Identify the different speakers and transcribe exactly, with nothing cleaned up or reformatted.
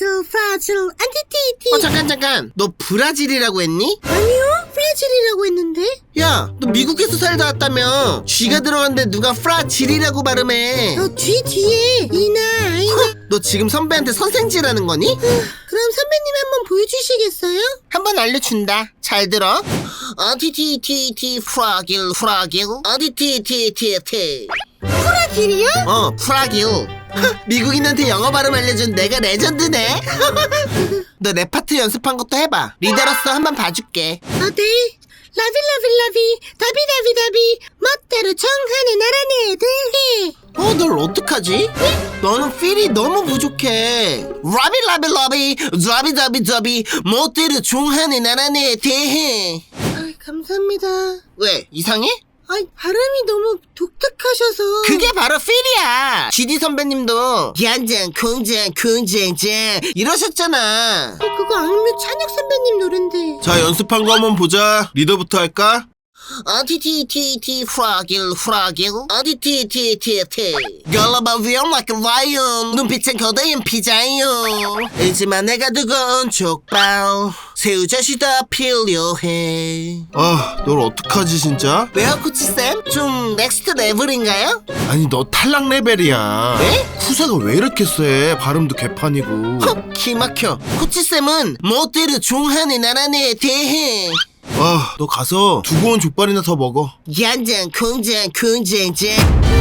Speaker 1: 프라질 프라질 안티티티.
Speaker 2: 어 잠깐 잠깐 너 브라질이라고 했니?
Speaker 1: 아니요, 프라질이라고 했는데.
Speaker 2: 야 너 미국에서 살다 왔다며. 쥐가 들어갔는데 누가 프라질이라고 발음해.
Speaker 1: 어, 뒤 뒤에 이나 아이나.
Speaker 2: 너 지금 선배한테 선생질하는 거니?
Speaker 1: 그럼 선배님 한번 보여주시겠어요?
Speaker 2: 한번 알려준다. 잘 들어. 어디티티티 프라길 프라길 어디티티티티.
Speaker 1: 프라질이요?
Speaker 2: 어 프라길. 미국인한테 영어 발음 알려준 내가 레전드네. 너 랩 파트 연습한 것도 해봐. 리더로서 한번 봐줄게.
Speaker 1: 아, 네. 라비 라비 라비 다비 다비 다비 멋대로 정하는 나라네 애들.
Speaker 2: 어, 널 어떡하지? 너는 필이 너무 부족해. 라비 라비 라비 자비 자비 자비 멋대로 종하는 나라네 대해.
Speaker 1: 아, 감사합니다.
Speaker 2: 왜? 이상해?
Speaker 1: 아, 발음이 너무 독특하셔서.
Speaker 2: 그게 바로 필이야. 지디 선배님도 양장 공장 공장장 이러셨잖아.
Speaker 1: 어, 그거 악뮤 찬혁 선배님 노랜데.
Speaker 2: 자, 연습한 거 한번 보자. 리더부터 할까? 어디티티티 프라길 프라길 어디티티티티 걸어봐 위험 like a lion 눈빛은 거대한 피자요 알지만 내가 두꺼운 족발 새우젓이 더 필요해.
Speaker 3: 아, 널 어떡하지 진짜?
Speaker 2: 왜요 코치쌤? 좀 넥스트 레벨인가요?
Speaker 3: 아니 너 탈락 레벨이야.
Speaker 2: 네?
Speaker 3: 후세가 왜 이렇게 세? 발음도 개판이고.
Speaker 2: 헉 기막혀. 코치쌤은 멋대로 종하는 나라네 대해.
Speaker 3: 아, 너 가서 두고 온 족발이나 더 먹어.
Speaker 2: 양장 공장 공장장